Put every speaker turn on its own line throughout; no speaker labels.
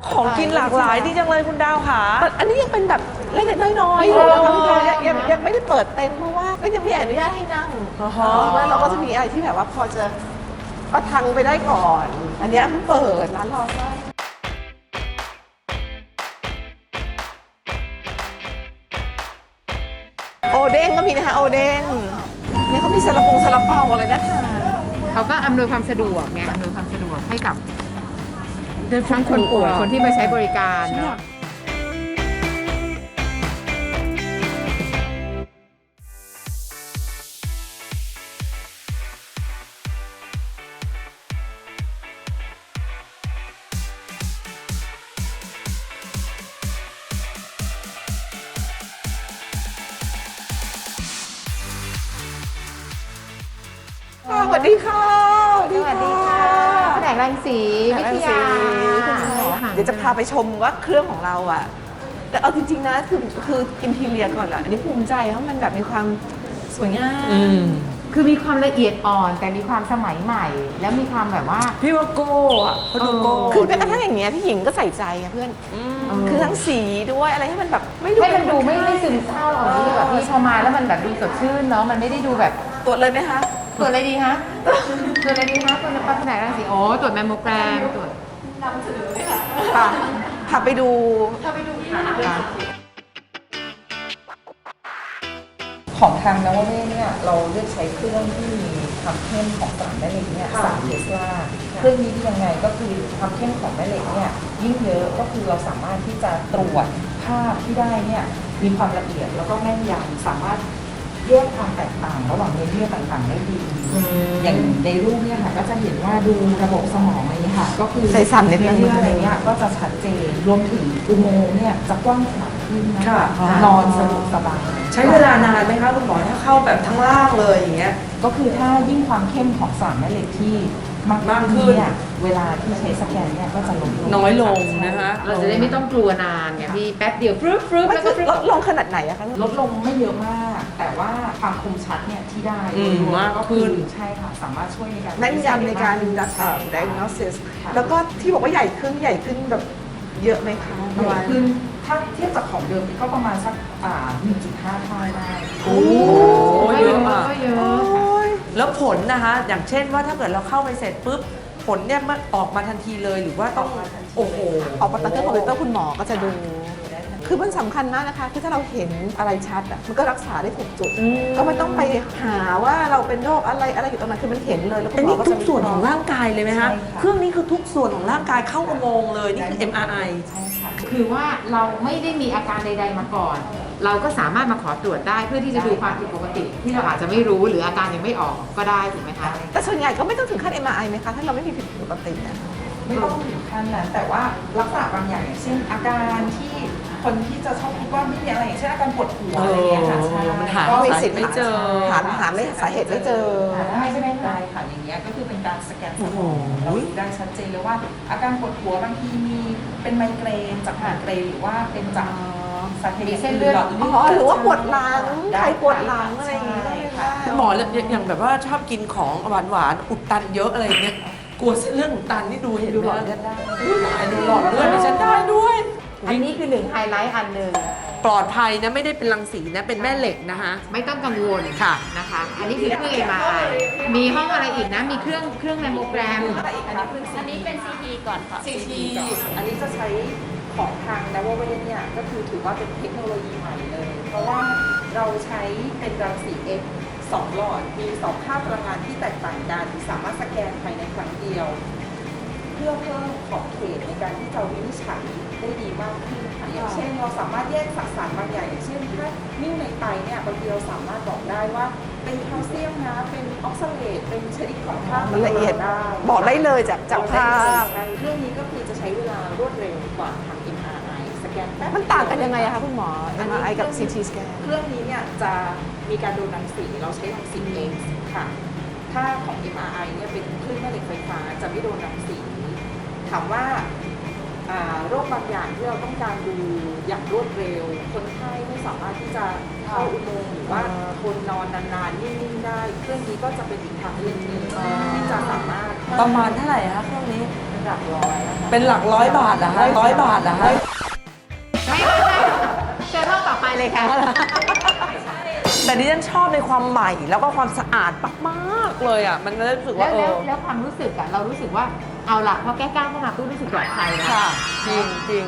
ของกินหลากหลายดีจังเลยคุณดาวค่ะ
อันนี้ยังเป็นแบบเล็กๆน้อยๆอยู่นะคะพี่พลอยยังไม่ได้เปิดเต็มเพราะว่าก็ยังไม่อนุญาตให้นั่งแล้วเราก็จะมีอะไรที่แบบว่าพอจะประทังไปได้ก่อน อันนี้เพิ่งเปิดร้านรอได้โอเด้งก็มีนะคะโอเด้งนี่เขามีซาลาเปาอะไรนะคะ
เขาก็อำนวยความสะดวกไงอำนวยความสะดวกให้กับทั้งคนป่วยคนที่มาใช้บริการเนาะ
สวัสดีค่ะสวัสดีค่ะ
แผนกรังสีวิทยา
เดี๋ยวจะพาไปชมว่าเครื่องของเราอ่ะแต่เอาจริงๆนะคืออินทีเรียก่อนอ่ะอันนี้ภูมิใจเพราะมันแบบมีความสวยงาม
คือมีความละเอียดอ่อนแต่มีความสมัยใหม่ แล้วมีความแบบว่า
พี่ว่าโก้อะเขาดูโก้
คือแม้กระทั่งอย่างเงี้ยพี่หญิงก็ใส่ใจอะเพื่อนคือทั้งสีด้วยอะไรให้มันแบบ
ให้มันดูไม่ซึมเศร้าเอาที่แบบที่พอมาแล้วมันแบบดูสดชื่นเนาะมันไม่ได้ดูแบบ
ตรวจเลยไหมคะ
ตรวจอะไรดีคะตรวจอะไรดีคะตรวจแผนกรังสีโอ้ตรวจแมมโมแกรมตรวจ
ป่ะพาไปดูของทางนวเวศเนี่ยเราเลือกใช้เครื่องที่มีความเข้มของสารแม่เหล็กเนี่ย3 เทสลาเครื่องนี้ยังไงก็คือความเข้มของแม่เหล็กเนี่ยยิ่งเยอะก็คือเราสามารถที่จะตรวจภาพที่ได้เนี่ยมีความละเอียดแล้วก็แม่นยำสามารถแยกความแตกต่างระหว่างเนื้อเยื่อต่างๆได้ดีอย่างในรูปเนี่ยค่ะก็จะเห็นว่าดูระบบสมองอะไรค่ะก็คือใส่สั่นเนื้อเยื่ออะไรเนี่ยก็จะชัดเจนรวมถึงอุโมงค์เนี่ยจะกว้างขวางขึ้นนะคะนอนสะดวกสบาย
ใช้เวลานานไหมคะคุณหมอถ้าเข้าแบบทั้งล่างเลยอย่างเงี้ย
ก็คือถ้ายิ่งความเข้มของสารแม่เหล็กที่มากขึ้นเนี่ยเวลาที่ใช้สแกนเนี่ยก็จะลดลง
น้อยลงนะคะ
เราจะได้ไม่ต้องกลัวนานไงพี่แป๊บเดียวฟรึ๊บแล้วก็
ลดลงขนาดไหนอะคะลดลงไม่เยอะมาก แต่ว่าความคมชัดเนี่ยที่ได้
มากขึ้น
ใช่ค่ะสามารถช่วยในการแม่นยำในการdiagnosis แล้วก็ที่บอกว่าใหญ่ขึ้นแบบเยอะไหมคะใหญ่ขึ้นถ้าเทียบจากของเดิมก็ประมาณสัก1.5 เท่าได้
โอ้เยอะมาก
เยอะ
แล้วผลนะคะอย่างเช่นว่าถ้าเกิดเราเข้าไปเสร็จปุ๊บผลเนี่ยมันออกมาทันทีเลยหรือว่าต้องโอ้โห
ออกมาตั้งแต่คอมพิวเตอร์คุณหมอก็จะดูคือมันสำคัญมากนะคะคือถ้าเราเห็นอะไรชัดอ่ะมันก็รักษาได้ถูกจุดก็ไม่ต้องไปหาว่าเราเป็นโรคอะไรอยู่ตรงนั้นคือมันเห็นเลยแล้วคุณหมอก็
ทุกส่วนของร่างกายเลยไหมคะเครื่องนี้คือทุกส่วนของร่างกายเข้าอุโมงค์เลยนี่คือ MRI
ใช่ค่ะ
คือว่าเราไม่ได้มีอาการใดๆมาก่อน เราก็สามารถมาขอตรวจได้เพื่อที่จะดูความผิดปกติ ที่เราอาจจะไม่รู้หรืออาการยังไม่ออกก็ได้ถูกไหมคะ
แต่ส่วนใหญ่ก็ไม่ต้องถึงขั้น MRI ไหมคะถ้าเราไม่มีผิดปกติเนี่ยไม่ต้องถึงขั้นนั้นแต่ว่าลักษณะบางอย่างอย่างเช่นอาการที่คนที่จะชอบคิดว่าไม่มีอะไรอย่างเช่นอาการปวดหัวอะไรอย่างเงี้ยค่ะใช่
ก็มีสิทธิ์ไม่เจอ
หาไม่สาเหตุไม่เจอ
ได้ใช่ไหมคะ
ได้ค่ะอย่างเงี้ยก็คือเป็นการสแกนสมองเราดูได้ชัดเจนเลยว่าอาการปวดหัวบางทีมีเป็นไมเกรนจากไมเกรนหรือว่าเป็นจากสาเหตุ
เส้นเลือด
หรือว่าปวดหลังใครปวดหลังอะไรอย่างเงี้ยค่ะ
หมออย่างแบบว่าชอบกินของหวานอุดตันเยอะอะไรเงี้ยกลัวเรื่องอุดตันนี่ดูเห็น
ดูหลอดเลือดได้
ดูหลอดเลือดดิฉันได้ด้วย
อันนี้คือ1ไฮไลท์อันหนึ่ง
ปลอดภัยนะไม่ได้เป็นรังสีนะเป็นแม่เหล็กนะคะ
ไม่ต้องกังวล
ค่ะ
นะคะอันนี้คือเครื่อง MRI มีห้องอะไรอีกนะมีเครื่องแมมโมแกรม
อันนี้เป็น CT ก่อนค่ะ
CT อันนี้จะใช้ของทางนวเวศเนี่ยก็คือถือว่าเป็นเทคโนโลยีใหม่เลยเพราะว่าเราใช้เป็นรังสี X 2 หลอดมี2ค่าพลังงานที่แตกต่างกันสามารถสแกนภายในครั้งเดียวเพื่อเพิ่มขอบเขตในการที่จะวินิจฉัยได้ดีมากขึ้นค่ะอย่างเช่นเราสามารถแยกสสารบางอย่างอย่างเช่นถ้านิ่วในไตเนี่ยบางทีเราสามารถบอกได้ว่าเป็นแคลเซียมนะเป็นออกซาเลตเป็นชนิดของธาตุมันละเอียดได้บอกได้เลยจากภาพเรื่องนี้ก็คือจะใช้เวลารวดเร็วกว่าทาง MRI สแกนแป๊บมันต่างกันยังไงคะคุณหมอ MRI กับ CT สแกนเครื่องนี้เนี่ยจะมีการดูรังสีเราใช้รังสี X ค่ะถ้าของ MRI เนี่ยเป็นคลื่นแม่เหล็กไฟฟ้าจะไม่โดนรังสีถามว่าโรคบางอย่างที่เราต้องการดูอย่างรวดเร็วคนไข้ไม่สามารถที่จะเข้าอุโมงค์หรือว่าทนนอนนานๆนิ่งๆได้เครื่องนี้ก็จะเป็นอีกทางเลือกหนึ่งที่จะสามารถ
ประมาณเท่าไหร่คะเครื่องนี้
หลักร้อยนะคะ
เป็นหลักร้อยบาทเหรอฮะ100 บาทเหรอฮะ
ไม่เชิญห้องต่อไปเลยค่ะ
แต่ดิฉันชอบในความใหม่แล้วก็ความสะอาดมากๆเลยอ่ะมันก็รู้สึก
แล้
ว่าว
แล้วความรู้สึกอะเรารู้สึกว่าเอาละพอแก้ก้าวเข้ามาตู้รู้สึกปลอดภัยแล้ว
ค่ะจริงจริง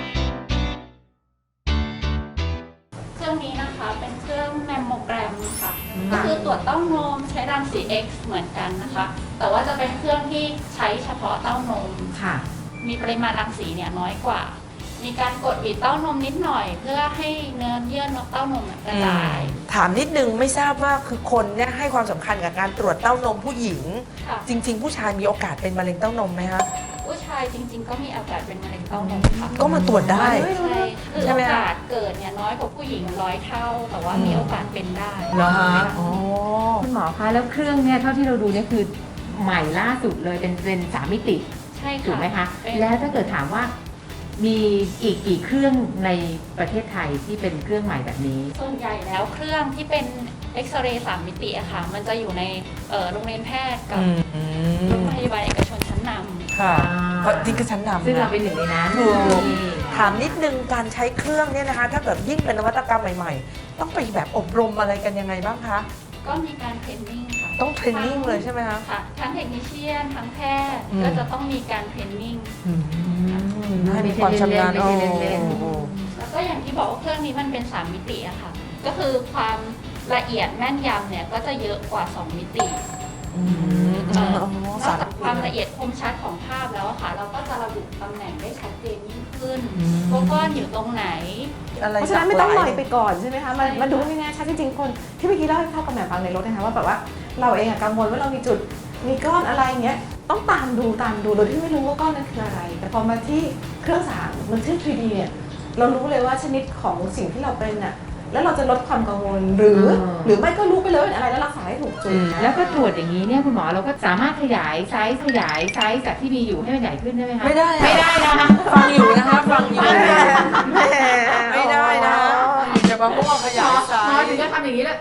เครื่องนี้นะคะเป็นเครื่องแมมโมแกรมค่ะ ก็คือตรวจเต้านมใช้รังสี X เหมือนกันนะคะ แต่ว่าจะเป็นเครื่องที่ใช้เฉพาะเต้านม
ค่ะ
มีปริมาณรังสีเนี่ยน้อยกว่า มีการกดบีบเต้านมนิดหน่อย เพื่อให้เนื้อเยื่อนกเต้านมกระจาย
ถามนิดนึงไม่ทราบว่าคือคนเนี่ยให้ความสำคัญกับการตรวจเต้านมผู้หญิง
ค่ะ
จริง ๆ ผู้ชายมีโอกาสเป็นมะเร็งเต้านมไหมคะ
ผู้ชายจริง ๆ ก็มีโอกาสเป็นมะเร็งเต้านมค่ะ
ก็มาตรวจได้
ใช่คือ
ใช่
โอ
ไหมคะ
กาสเกิดเนี่ยน้อยกว่าผู้หญิง100 เท่า แต่ว่ามีโอกาสเป็นได้
เหรอฮะอ๋อ
คุณหมอคะแล้วเครื่องเนี่ยเท่าที่เราดูเนี่ยคือใหม่ล่าสุดเลยเป็น3 มิติ
ใช่ค่ะ
ถูกไหมคะ
เป็น
แล้วถ้าเกิดถามว่ามีอีกกี่เครื่องในประเทศไทยที่เป็นเครื่องใหม่แบบนี้
ส่วนใหญ่แล้วเครื่องที่เป็นเอ็กซเรย์3 มิติอะค่ะ มันจะอยู่ในโรงเรียนแพทย์กับโรงพยาบาลเอกชนชั้นนำ
ค่ะ
อ่า
ก็ที่คือชั้นนำ
ซึ่งเรา
นะ
เป็นหนึ่งในนั้น
ถูก
นี่
ถามนิดนึงการใช้เครื่องเนี่ยนะคะ ถ้าเกิดยิ่งเป็นนวัตกรรมใหม่ๆ ต้องไปแบบอบรมอะไรกันยังไงบ้างคะ
ก็มีการเทรนนิ่งค่ะ
ต้องเทรนนิ่งเลยใช่ไหมคะ
ค่ะ ทั้งเทคนิคเชียน ทั้งแพทย์
อืม
ก็จะต้องมีการเทรนนิ่ง
ให้มีความชำนาญ
ไม่ใช่เล่นๆ
โอ้โห
แล้วก็อย่างที่บอกว่าเครื่องนี้มันเป็น 3 มิติอะค่ะ ก็คือความละเอียดแม่นยำเนี่ยก็จะเยอะกว่า 2 มิติ
อืม
เอ่อ
อ๋อน
อก
สาร
จากความละเอียดคมชัดของภาพแล้วอะค่ะ เราก็จะระบุตำแหน่งได้ชัดเจนยิ่งขึ้นว่าก้อนอยู่ตรงไหน
อะไร
เพราะฉะนั้นไม่ต้อง
ห
ล
ลา
อย
ย
ไปก่อนใช่ไหมคะมัน
ใช่
มันดูไม่แน่ชัดจริงๆคนที่เมื่อกี้เล่าให้พ่อกับแม่ฟังในรถนะคะว่าแบบว่าเราเองอะกังวลว่าเรามีจุดมีก้อนอะไรอย่างเงี้ยต้องตามดูโดยที่ไม่รู้ว่าก้อนนั้นคืออะไร แต่พอมาที่เครื่องสางมันขึ้น 3D เนี่ยเรารู้เลยว่าชนิดของสิ่งที่เราเป็นอะแล้วเราจะลดความกังวลหรือไม่ก็รู้ไปเลยว่าเป็นอะไรแล้วรักษาให้ถูกจุด
แล้วก็ตรวจอย่างนี้เนี่ยคุณหมอเราก็สามารถขยายไซส์จากที่มีอยู่ให้มันใหญ่ขึ้นได้ไหมคะ
ไม่ได้อะ
ไม่ได้นะคะ
ฟังอยู่นะคะฟังอยู่
แหม
ไม่ได้นะจะมาพูดขยายไซ
พอ
ส์
ถึงจะทำอย่างนี้แล้ว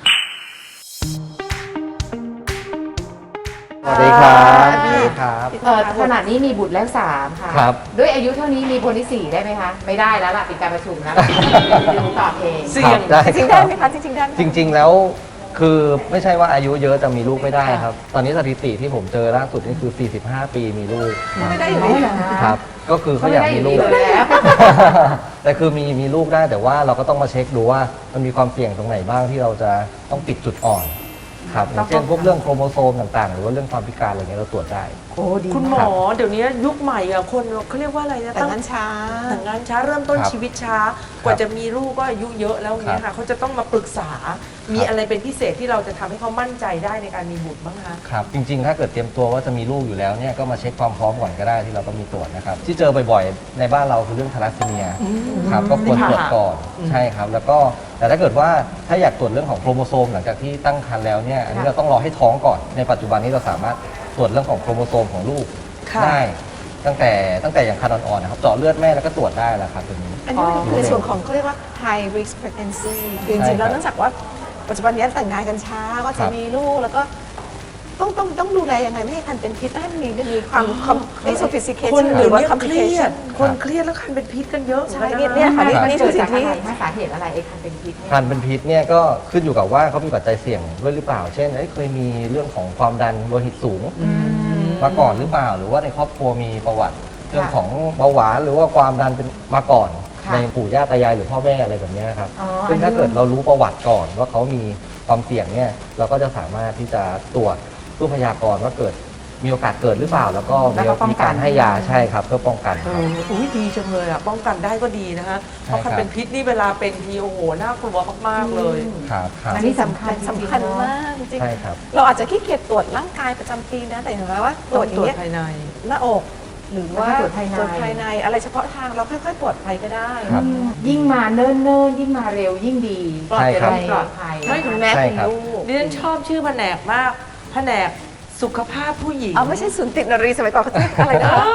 สวัสดีครับสวัสดีครับ
ขนาดนี้มีบุตรแล้ว3ค่ะ
ครับ
ด้วยอายุเท่านี้มีคนที่ 4 ได้ไหมคะ ไม่ได้แล้วล่ะปิดการประชุมแล้วดูตอบเอง
เสี่ยง
ได้
จริงๆ
ค
ได้
รับ
ไหมคะจริงๆได้ไหม
จริง ๆ แล้วคือไม่ใช่ว่าอายุเยอะจะมีลูกไม่ได้ครับ ตอนนี้สถิติที่ผมเจอล่าสุดนี่คือ 45 ปีมีลูก
ไม่ได้อยู่ดี
ครับ ก็คือเขาอยากมีลูก
เขาไม่ได้อยู่ดีแล้ว
แต่คือมีลูกได้แต่ว่าเราก็ต้องมาเช็คดูว่ามันมีความเสี่ยงตรงไหนบ้างที่เราจะต้องปิดจุดอ่อนครับอย่างเช่นพวกเรื่องโครโมโซมต่างๆ หรือว่าเรื่องความพิการอะไรเงี้ยเราตรวจได้
โอ้ดี
คุณหม
มาก
อเดี๋ยวนี้ยุคใหม่อะคนเขาเรียกว่าอะไรนะ
แต่งงานช้า
แต่งงานช้าเริ่มต้น
ครับ
ชีวิตช้า กว่าจะมีลูกก็อายุเยอะแล้วเนี่ยค่ะเขาจะต้องมาปรึกษา มีอะไรเป็นพิเศษที่เราจะทำให้เขามั่นใจได้ในการมีบุตรบ้างคะ
ครับจริงๆ ถ้าเกิดเตรียมตัวว่าจะมีลูกอยู่แล้วเนี่ยก็มาเช็คความพร้อมก่อนก็ได้ที่เราก็มีตรวจนะครับที่เจอบ่อยๆ ในบ้านเราคือเรื่องทาลัสซีเมียครับก็ควรตรวจก่อนใช่ครับแล้วก็แต่ถ้าเกิดว่าถ้าอยากตรวจเรื่องของโครโมโซมหลังจากที่ตั้งครรภ์แล้วเนี่ยอันนี้เราต้องรอให้ท้องก่อนในปัจจุบันนี้เราสามารถตรวจเรื่องของโครโมโซมของลูก
ค่ะ
ได้ตั้งแต่อย่างครรภ์อ่อนๆนะครับเจาะเลือดแม่แล้วก็ตรวจได้แล้วครับตัวนี้
อันนี้มันคือในส่วนของเขาเรียกว่า high risk pregnancy คือจริงๆแล้วเนื่องจากว่าปัจจุบันนี้แต่งงานกันช้าก็
ครั
จะ
บ
มีลูกแล้วก็ต้องดูแลยังไงไม่ให้คันเป็นพิษไม่ให้มันมีความไม่ sophistication
คน
ห
เดี๋
รื
ยว
อว่า
นี้เครียด
complication
คนเครียดแล้วคันเป็นพิษกันเยอะ
ใช่
หมือกั
เนี่ยค่ะ
มัน
นี่
เกิ
คื
ด
อสิ่
จาก
งที่
อะไรถ้าสาเหตุอะไรไอ้คันเป็นพิษเนี่ย
ครรภ์เป็นพิษเนี่ยก็ขึ้นอยู่กับว่าเขามีปัจจัยเสี่ยงด้วยหรือเปล่า เช่นเคยมีเรื่องของความดันโลหิตสูงมาก่อนหรือเปล่า หรือว่าในครอบครัวมีประวัติเรื่องของเบาหวานหรือว่าความดันเป็นมาก่อน
ค่ะ
ในปู่ย่าตายายหรือพ่อแม่อะไรแบบเนี้ยครับ
อ๋อ
ซึ่งถ้าเกิดเรารู้ประวัติก่อนว่าเขามีความเสี่ยงเนี่ยเราก็จะสามารถที่จะตรวจเพื่อพยากรณ์ว่าเกิดมีโอกาสเกิดหรือเปล่า แล้วก็มีการให้ยาใช่ครับเพื่อป้องกันครับ
อุ้ยดีจังเลยอ่ะป้องกันได้ก็ดีนะคะเพราะคันเป็นพิษนี่เวลาเป็นทีโอ้โหน่ากลัวมากๆเลย
ครับครับ
อันนี้สำคัญ
สำคัญมากจริง
ใช่ครับ
ๆเราอาจจะขี้เกียจตรวจร่างกายประจำปีนะแต่อย่างไรว่าตรวจอย่างเงี้ย
ภายใน
หน้าอกหรือว่า
แล้วก็ตรวจภายใน
อะไรเฉพาะทางเราค่อยๆตรวจไปก็ได้
ครับ
ยิ่งมาเนิ่นๆยิ่งมาเร็วยิ่งดี
ใช่ครับ
ปลอดภัย
ไม่ถึงแม้
ใช่
คุณ
ครับ
ลูก
ดิฉันชอบชื่อแผนกมากแผนกสุขภาพผู้หญิง
เอาไม่ใช่ศูนย์ติดนรีสมัยก่อนเขาจะเรียกอะไรนะ
อ้าว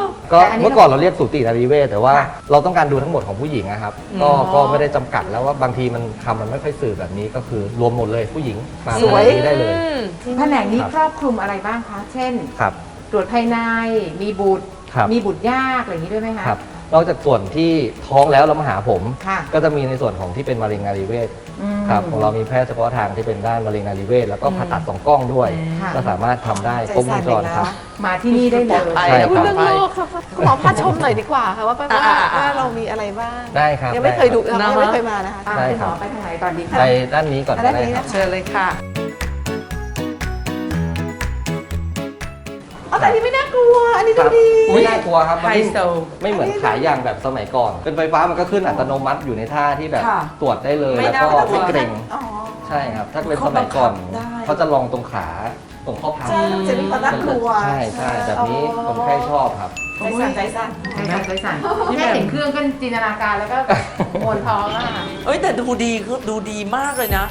ก็
แต่อันนี้
เมื่อก่อนเราเรียกสูตินารีเวชแต่ว่าเราต้องการดูทั้งหมดของผู้หญิงนะครับ
อ๋อ
ก็ไม่ได้จำกัดแล้วว่าบางทีมันคำมันไม่ค่อยสื่อแบบนี้ก็คือรวมหมดเลยผู้หญิงมา
สวย
แบบนี้ได้เลย
แผนกนี้ครอบคลุมอะไรบ้างคะ เช่น
ครับ
ตรวจภายในมีบุตร
ครับ
มีบุตรยากอะไรอย่างนี้ด้วยไหมคะ
ครับนอกจากส่วนที่ท้องแล้วเรามาหาผม
ค่ะ
ก็จะมีในส่วนของที่เป็นมะเร็งนารีเวช
อืม
ครับของเรามีแพทย์เฉพาะทางที่เป็นด้านมะเร็งนารีเวชแล้วก็ผ่าตัดสองกล้องด้วย
ค่ะ
ก็สามารถทำได้ครบวงจรครับ
มาที่นี่ได้เลย
ใช่ครับ
พูดเรื่องโลกค่ะคุณหมอพาชมหน่อยดีกว่าค่ะว่าว่าเรามีอะไรบ้าง
ได้ครับ
ยังไม่เคยดู
ได้
ยังไม่เคยมานะคะ
อ่ะ
ได้
คุณห
ครั
ม
บ
อไปทางไหนก่อนดี
ไป
คะ
ด้านนี้ก่อนก็
ด้าน
ได้
นี้
ครับ
นะ
เชิญเลยค่ะ
อ๋อแต่อันนี้ไม่น่ากลัว อันนี้
ค
ดู
รับ
ดี
ไม่น่ากลัวครับมัน
ไฮโซ
ไม่เหมือนขายยางแบบสมัยก่อน เป็นไฟฟ้ามันก็ขึ้นอัตโนมัติอยู่ในท่าที่แบบ
ค่ะ
ตรวจได้เลย
ไม่
แล้วก็
น่ากลัว
ไม่เกรง
อ๋อ
ใช่ครับ ถ้าเป็นสมัยก่อน
เขาบังคับได้
เขาจะลองตรงขาตรงข้อพับ
ใช่จะมีความน่ากลัว
ใช่ใช่แบบนี้คนไข้ชอบครับ
ใจสั่นใจสั่น
ใช่ค่ะใจสั่นแค่เห็นเครื่องก็จินตนาการแล้วก็มวนท้องแล้วค่ะ
เอ้ยแต่ดูดีคือดูดีมากเลยนะ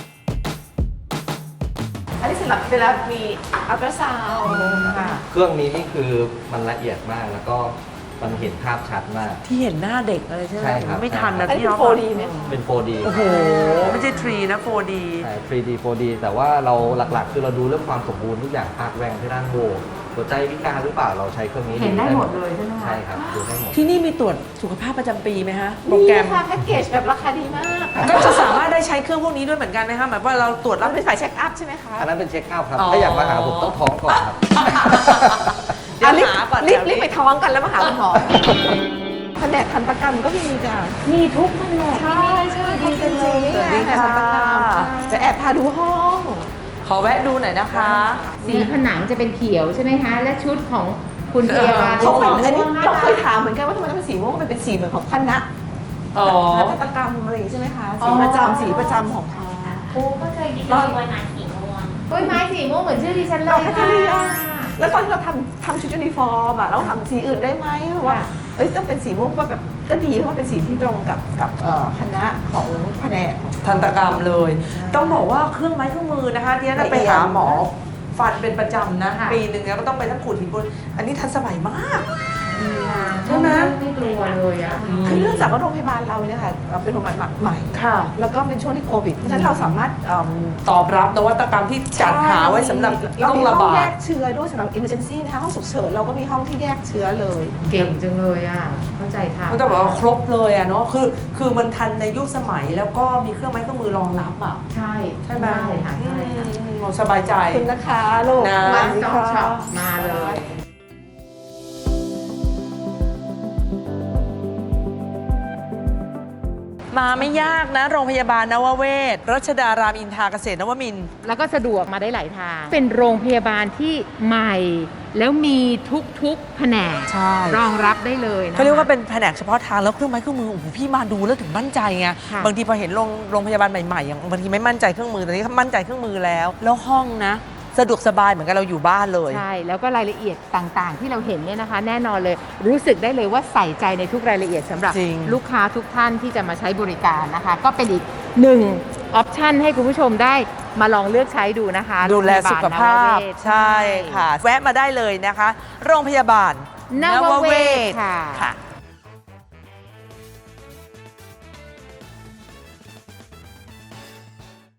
อันนี้สำหรับเวลามีอัลตราซาวด์ค่ะ
เครื่องนี้นี่คือมันละเอียดมากแล้วก็มันเห็นภาพชัดมาก
ที่เห็นหน้าเด็กอะไรใช่ไหม
ใช่ครับ
ไม่ทันนะ
อันนี้
พี่
เป็น
น้อง
4D ไหมคะ
เป็น 4D
โอ้โห ไม่ใช่ 3 นะ 4D
ใช่ 3D 4D แต่ว่าเราหลักๆ คือเราดูเรื่องความสมบูรณ์ทุกอย่างภาคแรงที่ด้านโบหัวใจพิการหรือเปล่าเราใช้เครื่องนี้
เห็นได้หมดเลยใช่ไหมคะ
ใช่ครับดูได้หมด
ที่นี่มีตรวจสุขภาพประจำปีไหมฮะ โปร
ดี
แกรม
ค่ะแพ็กเกจแบบราคาดีมาก
ก็จะสามารถได้ใช้เครื่องพวกนี้ด้วยเหมือนกันไหมคะหมายว่าเราตรวจ
แล้
แล้ว ว
เป็นฝ่ายเช็คอัพใช่ไหมคะ
อันนั้นเป็นเช็คอัพครับ
อ๋อ
ถ้าอยากมาหาผมต้องท้องก่อนครับ
เดี๋ยว
รีบ
หาก่อน
รีบ
เดี๋ยว
ไปท้องกันแล้วมาหาคุณหมอแผนกทันตกรรมก็มีจ้ะ
มีทุกแผนก
ใช่ใช่ดีจังเลยนี่
สวัสดี
ไง
ค่ะ
ทันตกรรมจะแอบพาดูห้อง
ขอแวะดูหน่อยนะคะ
สีผนังจะเป็นเขียวใช่ไหมคะ และชุดของคุณพยาบาล
เขาเป็น
ม่
อันนี้
วง
เราเคยถามเหมือนกันว่าทำไมต้องเป็นสีม่วงมันเป็นสีเหมือนของคณะ
อ๋อ
ทันตกรรมอะไรอย่างนี้ใช่ไหมคะสีประจำสีประจำของเขา
ครูก็เคยคิดว่าไว้นานสีม่วง
กล้วยไม้สีม่วงเหมือนชื่อดิฉันเล
เรา
ย
แคท
ค่ะ
เรียแล้วตอนที่เราทำชุดยูนิฟอร์มอะเราทำสีอื่นได้ไหมเพราะว่าเอ้ยต้องเป็นสีม่วงก็แบบก็ดีเพราะว่าเป็นสีที่ตรงกับคณะของแผนก
ทันตกรรมเลย ต้องบอกว่าเครื่องไม้เครื่องมือนะคะที่นั่นไปหาหมอฟันเป็นประจำนะ ปีหนึ่งเนี่ยก็ต้องไปทั้งขูดหินปูนอันนี้ทันสมัยมาก ใช่ไหม
ไม่กลัวเลยอ่ะ
คือเนื่องจากว่าโรงพยาบาลเราเนี่ยค่ะเป็นโรงพยาบาลใหม่
ค่ะ
แล้วก็เป็นช่วงที่โควิดเพราะฉะนั้นเราสามารถ
ตอบรับนวัตกรรมที่จัดหาไว้สำหรับ
เรา
ต้อง
มี
ระ
ห้อง
บา
แย
ด
กเชื้อด้วยสำหรับ emergency นะคะห้องฉุกเฉินเราก็มีห้องที่แยกเชื้อเลย
เก่งจังเลยอ่ะ เข้าใจทาง
ก็ต้องบอกว่าครบเลยอะเนาะคือมันทันในยุคสมัยแล้วก็มีเครื่องไม้เครื่องมือรองรับอะ
ใช่
ใช่ไหม
ใช่ค่ะใช่ค่ะ
สบายใจ
ขอบคุณนะคะลูก
นะ
มา
ส
สิ
ต็อก
คะ
ช็อปมาเลย
มาไม่ยากนะ โรงพยาบาลนวเวศรัชดารามอินทราเกษตรนวมินทร์
แล้วก็สะดวกมาได้หลายทาง เป็นโรงพยาบาลที่ใหม่ แล้วมีทุกๆแผนก
ใช่
รองรับได้เลยนะคะ
เขาเรียกว่าเป็นแผนกเฉพาะทางแล้วเครื่องไม้เครื่องมือโอ้โหพี่มาดูแล้วถึงมั่นใจไง
ค่ะ
บางทีพอเห็นโรงพยาบาลใหม่ๆอย่างบางทีไม่มั่นใจเครื่องมือแต่นี้มั่นใจเครื่องมือแล้ว แล้วห้องนะ สะดวกสบายเหมือนกับเราอยู่บ้านเลย
ใช่ แล้วก็รายละเอียดต่างๆ ที่เราเห็นเนี่ยนะคะ แน่นอนเลยรู้สึกได้เลยว่าใส่ใจในทุกรายละเอียดสำหรับ
จริง
ลูกค้าทุกท่านที่จะมาใช้บริการนะคะ ก็เป็นอีกหนึ่งออปชันให้คุณผู้ชมได้มาลองเลือกใช้ดูนะคะ
ดูแลสุขภาพ
โรงพยบลนวเวศ
ใช่ค่ะ แวะมาได้เลยนะคะ โรงพยาบาล
นวเวศค่ะ
ค่ะ